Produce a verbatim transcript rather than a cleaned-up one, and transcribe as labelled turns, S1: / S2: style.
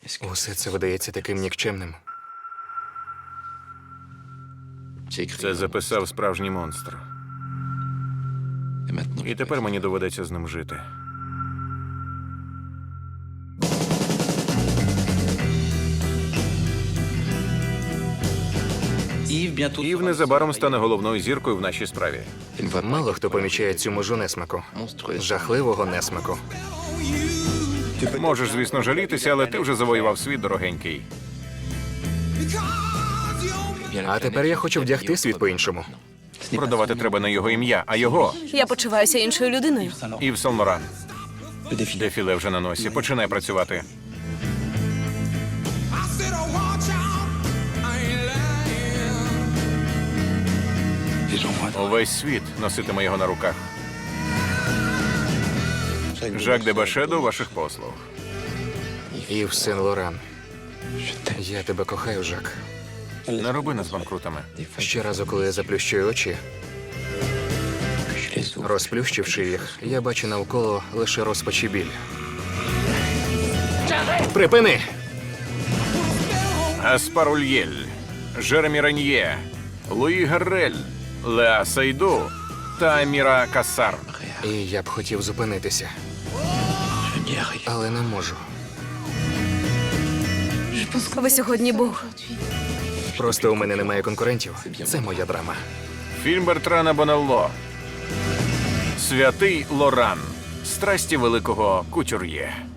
S1: Усе це видається таким нікчемним.
S2: Це записав справжній монстр. І тепер мені доведеться з ним жити. Ів незабаром стане головною зіркою в нашій справі.
S1: Мало хто помічає цю межу несмаку. Жахливого несмаку.
S2: Можеш, звісно, жалітися, але ти вже завоював світ, дорогенький.
S1: А тепер я хочу вдягти світ по-іншому.
S2: Продавати треба не його ім'я, а його.
S3: Я почуваюся іншою людиною.
S2: Ів Сен-Лоран. Дефіле вже на носі. Починай працювати. Увесь світ носитиме його на руках. Жак де Баше до ваших послуг.
S1: Ів Сен-Лоран. Я тебе кохаю, Жак.
S2: Не роби нас банкрутами.
S1: Щоразу, коли я заплющую очі, розплющивши їх, я бачу навколо лише розпач і біль. Припини!
S2: Гаспар Ульєль, Жеремі Рен'є, Луї Гаррель, Леа Сейду та Аміра Кассар.
S1: І я б хотів зупинитися, але не можу.
S3: Ви сьогодні Бог.
S1: Просто у мене немає конкурентів. Це моя драма.
S2: Фільм Бертрана Бонелло. Святий Лоран. Страсті великого кутюр'є.